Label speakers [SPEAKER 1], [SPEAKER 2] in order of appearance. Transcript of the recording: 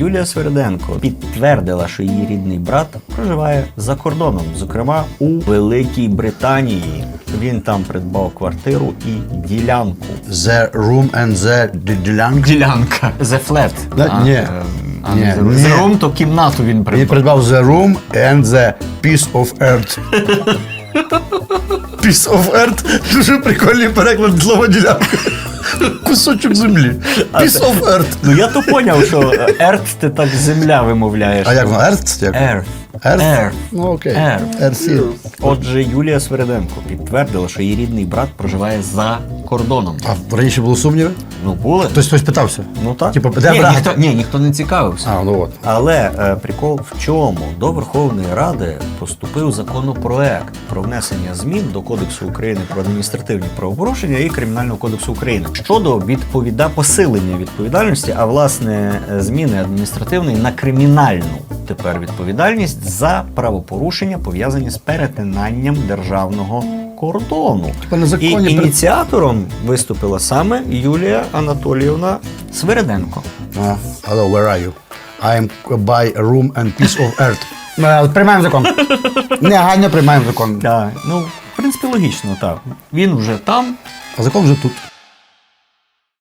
[SPEAKER 1] Юлія Свириденко підтвердила, що її рідний брат проживає за кордоном, зокрема у Великій Британії. Він там придбав квартиру і ділянку.
[SPEAKER 2] The room and the
[SPEAKER 1] Ділянка. The flat.
[SPEAKER 2] Ні. Ні.
[SPEAKER 1] The room, то кімнату він
[SPEAKER 2] Він
[SPEAKER 1] придбав.
[SPEAKER 2] придбав the room and the piece of earth. Piece of earth. Дуже прикольний переклад слова ділянка. Кусочок землі. Piece of earth.
[SPEAKER 1] Ну я то поняв, що earth ти так земля вимовляєш.
[SPEAKER 2] А як воно? Earth? Як?
[SPEAKER 1] Earth.
[SPEAKER 2] Earth? Ну окей.
[SPEAKER 1] Earth.
[SPEAKER 2] Earth.
[SPEAKER 1] Отже, Юлія Свириденко підтвердила, що її рідний брат проживає за кордоном.
[SPEAKER 2] А раніше були сумніви?
[SPEAKER 1] Ну, були.
[SPEAKER 2] Хтось питався?
[SPEAKER 1] Ну так.
[SPEAKER 2] Типу, де
[SPEAKER 1] Ні,
[SPEAKER 2] брат?
[SPEAKER 1] ніхто не цікавився.
[SPEAKER 2] А, ну от.
[SPEAKER 1] Але прикол в чому? До Верховної Ради поступив законопроект про внесення змін до Кодексу України про адміністративні правопорушення і Кримінального кодексу України щодо посилення відповідальності, а власне зміни адміністративної на кримінальну тепер відповідальність за правопорушення, пов'язані з перетинанням державного кордону.
[SPEAKER 2] Типа незаконні
[SPEAKER 1] І ініціатором виступила саме Юлія Анатоліївна Свириденко.
[SPEAKER 2] Hello, where are you? I am by a room and piece of earth. Приймаємо закон. Негайно приймаємо закон.
[SPEAKER 1] Так, ну, в принципі, логічно, так. Він вже там.
[SPEAKER 2] А закон вже тут.